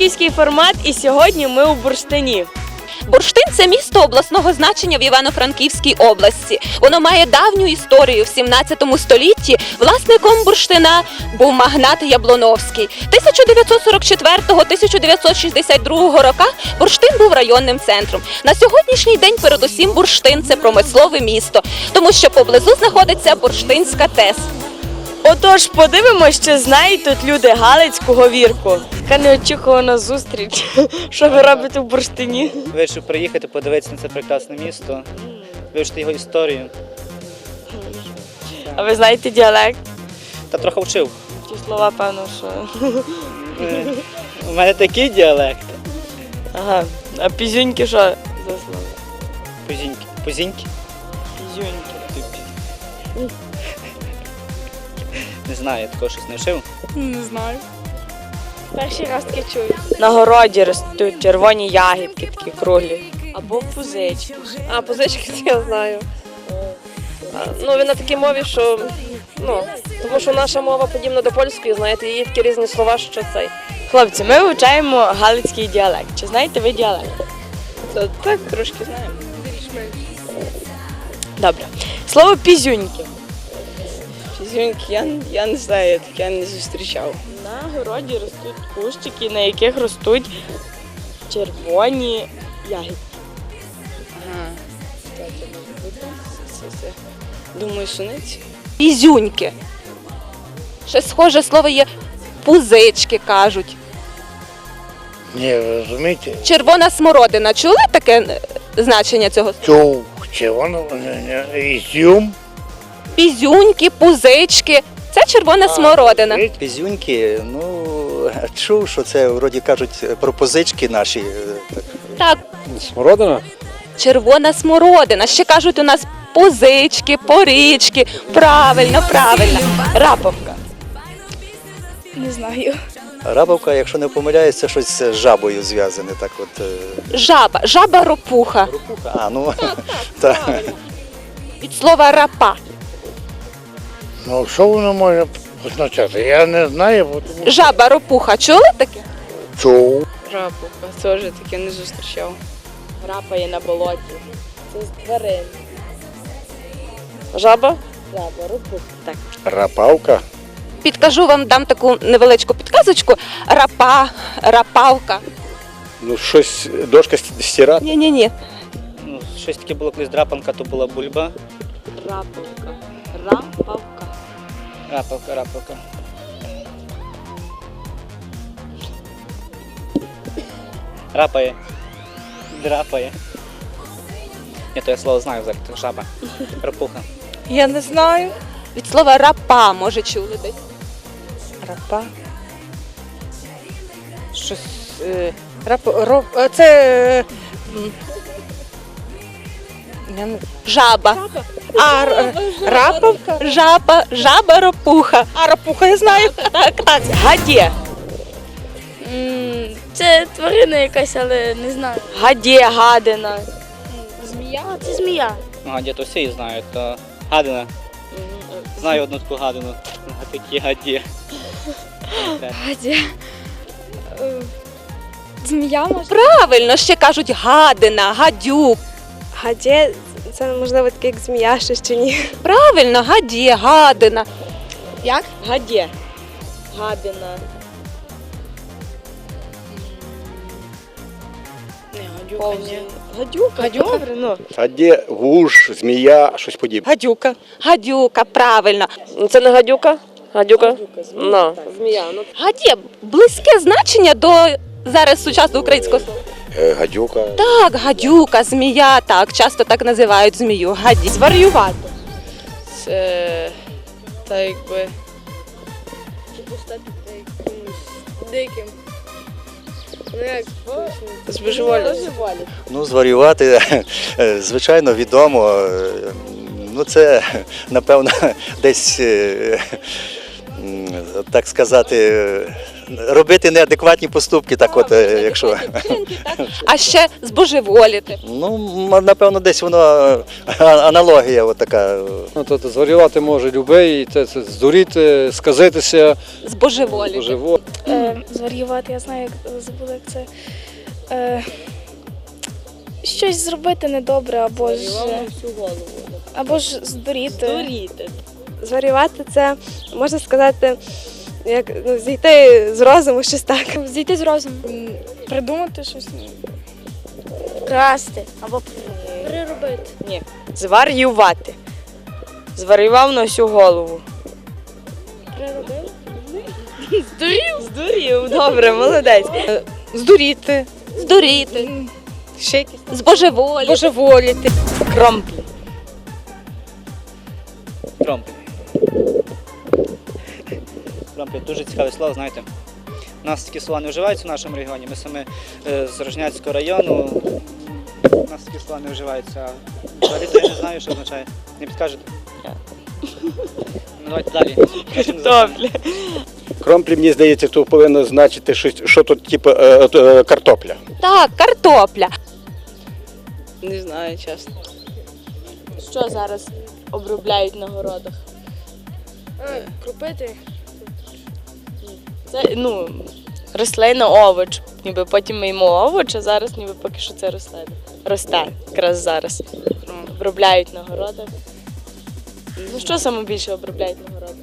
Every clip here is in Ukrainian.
франківський формат, і сьогодні ми у Бурштині. Бурштин – це місто обласного значення в Івано-Франківській області. Воно має давню історію. В 17 столітті власником бурштина був магнат Яблоновський. 1944-1962 роках бурштин був районним центром. На сьогоднішній день передусім бурштин – це промислове місто, тому що поблизу знаходиться Бурштинська ТЕС. Отож, подивимось, чи знають тут люди галицьку говірку. Така неочікувана зустріч. Що ви робите в Бурштині? Вирішив приїхати, подивитися на це прекрасне місто, вивчити його історію. А ви знаєте діалект? Та трохи вчив. Ті слова, певно, що... У мене такий діалект. Ага. А пізюньки що за слова? Позіньки. Позіньки? Пізюньки. Не знаю, я такого щось не вчив. Не знаю. Перший раз таке чую. На городі ростуть червоні ягідки, такі круглі. Або пузички. А, позички я знаю. Ну, він на такій мові, що, тому що наша мова подібна до польської, знаєте, її такі різні слова, що цей. Хлопці, ми вивчаємо галицький діалект. Чи знаєте ви діалект? Це так, трошки знаємо. Добре. Слово пізюньки. Фізюньки, я не знаю, я таке не зустрічав. На городі ростуть кущики, на яких ростуть червоні ягідки. Ага. Думаю, суниці. Пізюньки. Ще схоже слово є пузички, кажуть. Ні, ви розумієте, Червона смородина. Чули таке значення цього слова? цю червону ізюм. Пізюньки, пузички. Це червона смородина. Пізюньки, чув, що це, вроді кажуть, про позички наші. Так, Смородина? червона смородина. Ще кажуть у нас позички, порічки. Правильно, правильно. Раповка. Не знаю. Рабовка, якщо не помиляюсь, це щось з жабою зв'язане. Так от. Жаба. Жаба ропуха. А, ну, так. Від слова рапа. Ну, що воно може означати? Я не знаю, бо тому Жаба ропуха. Чули таке? чув. Рапуха, теж таке не зустрічав. Рапає на болоті. Це з тварин. Жаба? Жаба, ропух. Так. Рапавка. Підкажу вам, дам таку невеличку підказочку. Рапа, рапавка. Ну, щось, дошка стирати. Ні-ні-ні. Ну, щось таке було колись драпанка, то була бульба. Раповка. Рапавка. Рапавка, рапавка. Рапає. Драпає. Ні, то я слово знаю взагалі, то жаба. Рапуха. Я не знаю. Від слова рапа, може, чули десь. Рапа. Щось. Це. Я не... Жаба. Раповка? Жаба ропуха. А, рапуха я знаю. Так. Гадє. Це тварина якась, але не знаю. Гадє, гадина. Змія? Це змія. Ага, дід усі її знають, то гадина. Знаю одну таку гадину. Такі гаді. Гадя. Змія може? Правильно, ще кажуть гадина, гадюк. Гадє, це можливо таке як змія, ще чи ні. Правильно, гадє, гадина. Як? Гадє. Гадина. Гадюка. Гадюка? Добре, ну. А де вуж, змія, щось подібне. Гадюка. Гадюка, правильно. Це не гадюка? Гадюка? Ну, змія. Ну, Гадє, близьке значення до зараз сучасного українського слова. Гадюка. Так, гадюка, змія, так, часто так називають змію. Гаді. Зварювати. це. Та якби. Диким. Ну як? Збожеволі. Ну, зварювати, звичайно, відомо. Ну, це, напевно, десь, так сказати, робити неадекватні поступки, так от, якщо. А ще збожеволіти. Ну, напевно, десь воно аналогія от така. Ну, то зварювати може любий, це здуріти, сказитися, Збожеволіти. живо. Зварювати, я знаю, забула, як це. Щось зробити недобре, або ж здуріти. Зварювати це, можна сказати, як зійти з розуму, щось так. Зійти з розуму. Придумати щось. Красти. Або переробити. Ні. Зварювати. Зварював на всю голову. Переробити. Здурів, добре, молодець. Здуріти. Здуріти. Ще якісь Збожеволіти. божеволіти. Кромплі. Кромплі. Кромплі дуже цікаве слово, знаєте. У нас такі слова не вживаються в нашому регіоні. Ми саме з Рожняцького району. У нас такі слова не вживаються. Взагалі то я не знаю, що означає. Не підкажете? Ну, давайте далі. Картоплі. Кромплі, мені здається, то повинно значити, що тут, типу, картопля. Так, картопля. Не знаю, чесно. Що зараз обробляють на городах? Крупити. Це, рослина, овоч. Ніби потім ми їмо овоч, а зараз ніби поки що це рослина. Росте якраз зараз. Обробляють на городах. Ну що саме більше обробляють на городах?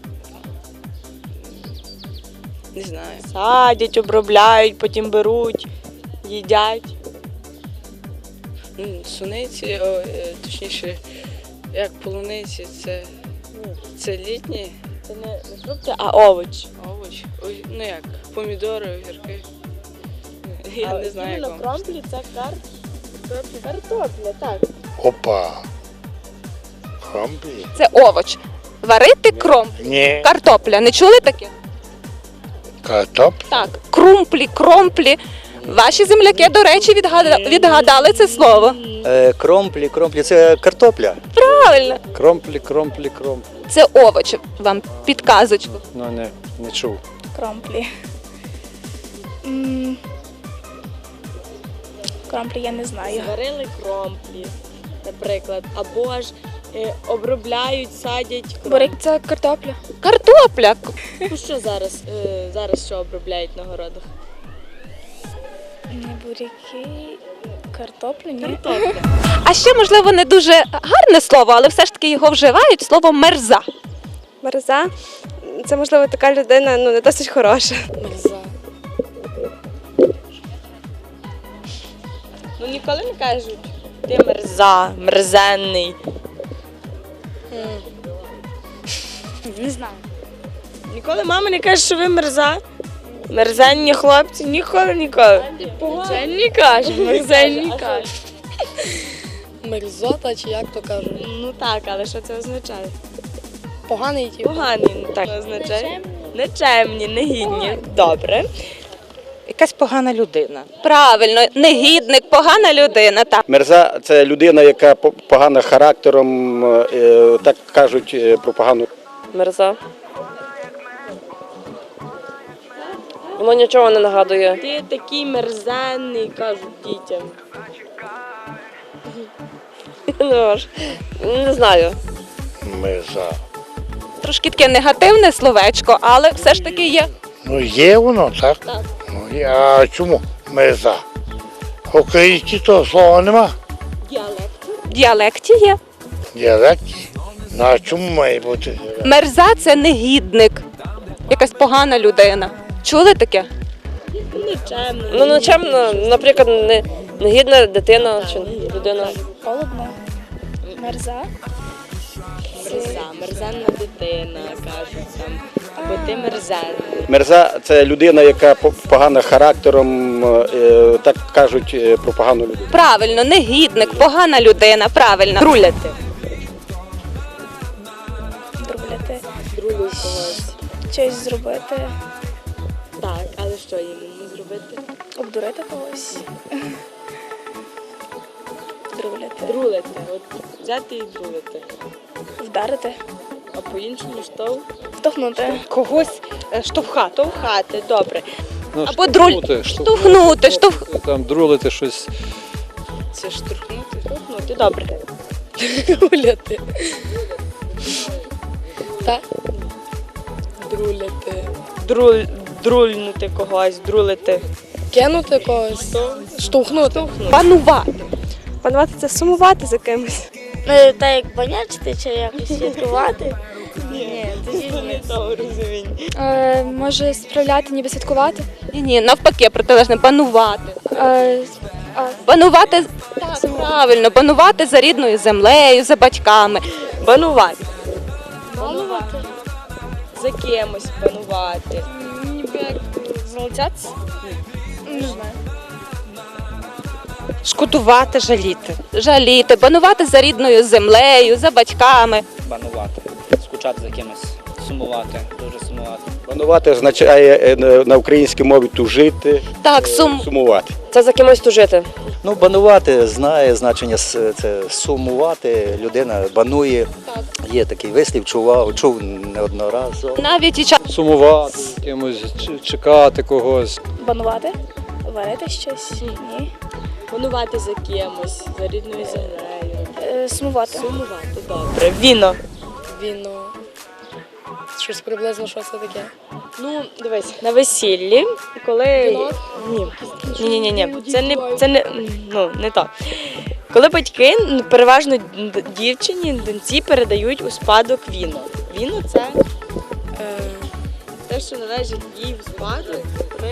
Не знаю. Садять, обробляють, потім беруть, їдять. Суниці, точніше, як полуниці, це літні Це не фрукти, а овоч. овочі. Ой, ну як, помідори, огірки. Я не знаю, як вам. Кромплі це картопля, так. Опа. Кромплі? Це овоч. Варити кромплі. Ні. Картопля. Не чули таке? Картоп? Так. Крумплі, кромплі. Ваші земляки, до речі, відгадали це слово. Кромплі, це картопля. Правильно. Кромплі. Це овоч. Вам підказочку. Ну, не чув. Кромплі. Кромплі я не знаю. Зварили кромплі, наприклад, або ж обробляють, садять Бурик це картопля. Картопля. Ну що зараз що обробляють на городах? Не буряки, картоплю, ні. Картопля. А ще, можливо, не дуже гарне слово, але все ж таки його вживають, слово мерза. Мерза. Це, можливо, така людина, не досить хороша. Мерза. Ну ніколи не кажуть, ти мерзенний. Не знаю. Ніколи мама не каже, що ви мерза. Мерзенні хлопці, ніколи. Мерзенні каже, мерзенні каже. Мерзота, чи як то кажуть? Ну так, але що це означає? Поганий тип. Погані, так означає. Нечемні, негідні. Добре. Якась погана людина. Правильно, негідник, погана людина. Так. Мерза – це людина, яка погана характером, так кажуть про погану. Мерза. Воно нічого не нагадує. Ти такий мерзенний, кажуть дітям. Не знаю. Меза. Трошки таке негативне словечко, але все ж таки є. Ну є воно, так? Так. Ну, а чому меза? В українській того слова нема. В діалекті є. Діалекті. Ну а чому має бути? Мерза – це негідник. Якась погана людина. Чули таке? Нечемно. Нечемно, наприклад, негідна дитина чи людина. Холодно. Мерза. Мерзенна дитина, кажуть там. Або ти мерзенний. Мерза – це людина, яка погана характером, так кажуть про погану людину. Правильно, негідник, погана людина, правильно. Друляти. Друбляти. Друлю когось. Щось зробити. Так, але що їм зробити? Обдурити когось. Друбляти. Друлити. От взяти і друлити. Вдарити. А по-іншому штовх? Втохнути. Когось штовхати. Штовхати, добре. Ну, Або штовхнути, там друлити щось. Це штурхнути. Штовхнути, добре. Гуляти. Так? Друляти. Друльнути когось, друлити. Кинути когось. Штовхнути. Панувати. Панувати це сумувати за кимось. Ну, так як банячити чи якось святкувати. Ні, тоді ні. Може справляти, ніби святкувати. Ні, навпаки, протилежне панувати. Панувати, так, правильно, панувати за рідною землею, за батьками. Банувати. Банувати. За кимось банувати. Ніби як залицятися? Не знаю. Шкодувати, жаліти. Жаліти, панувати за рідною землею, за батьками. Банувати, скучати за кимось, сумувати, дуже сумувати. Панувати означає на українській мові тужити, Так, сумувати. Це за кимось тужити. Ну, банувати знає значення це сумувати. Людина банує. Є такий вислів, чув неодноразово. навіть і час. Сумувати, кимось чекати когось. Банувати? Варити щось? Ні. Банувати за кимось, за рідною землею. Сумувати. Сумувати, добре. Віно. Віно. Щось приблизно, що це таке? Ну, дивись, на весіллі, коли. Вінок? Ні. Це не то. Коли батьки, переважно дівчині, доньці передають у спадок віно. Віно це те, що належить їй в спадок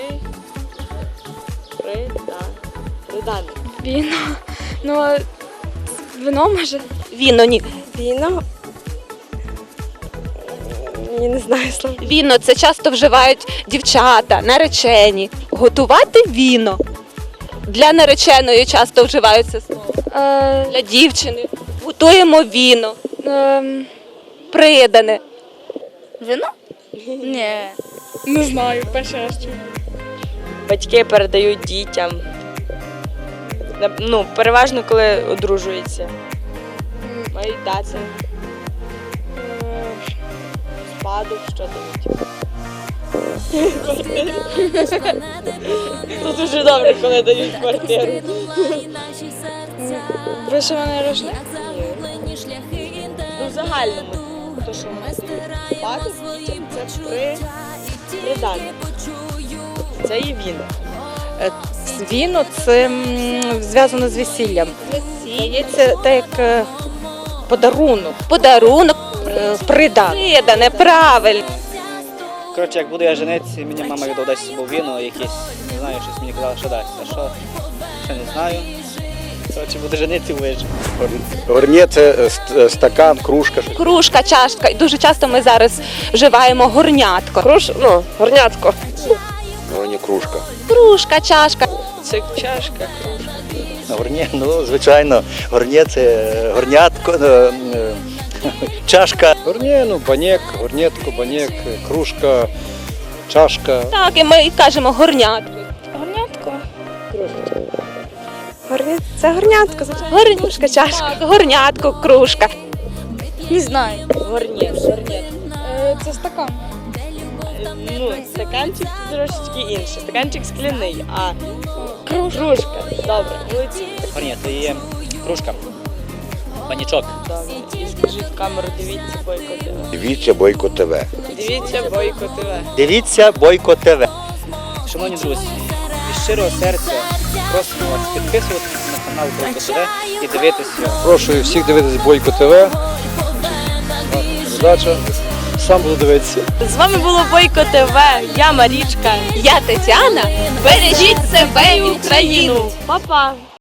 придане. Віно. Ну, вино може. Віно, ні. Віно. Я не знаю слова. Віно це часто вживають дівчата, наречені. Готувати віно. Для нареченої часто вживаються слово. Для дівчини. Готуємо віно. Придане. Вино? Ні. Не знаю, перший раз чую. Батьки передають дітям. Ну, переважно, коли одружуються. Мають дати. Спадок, що дають. Тут дуже добре, коли дають квартиру. Вишиваний рушник? Ну, в загальному. То, що вони дають спадок дітям, це придане. Це є віно. Віно це зв'язано з весіллям. Це так як подарунок. Подарунок. Придане. Придане, правильно. Коротше, як буду я женитися, мені мама віддасть з собою віно, якесь, не знаю, щось мені казала, що дасть. А що? Ще не знаю. Коротше, буду женитися, вижу. Горнє це стакан, кружка. Кружка, чашка. І дуже часто ми зараз вживаємо горнятко. Горнятко. Горнє кружка. Кружка, чашка. Це чашка, кружка. Горнє, ну, звичайно, горнє це горнятко, чашка. Горнє, ну, банєк, горнєтко, банєк, кружка, чашка. Так, і ми кажемо горнятко. Горнятко. Це горнятко, звичайно. Кружка, чашка. Так, горнятко, кружка. Не знаю. Горнє. Це стакан. Ну, стаканчик трошечки інший. Стаканчик скляний, а кружка. Добре, молодці. Горнє, це є кружка. Панічок. Добре. І скажіть в камеру, дивіться Бойко ТВ. Дивіться Бойко ТВ. Дивіться Бойко ТВ. Дивіться Бойко ТВ. Шановні друзі, від щирого серця просимо вас підписуватися на канал Бойко ТВ і дивитися. Прошу всіх дивитися Бойко ТВ. Передача. Сам буду дивитися. З вами було Бойко ТВ. Я Марічка. Я Тетяна. Бережіть себе і Україну. Па-па.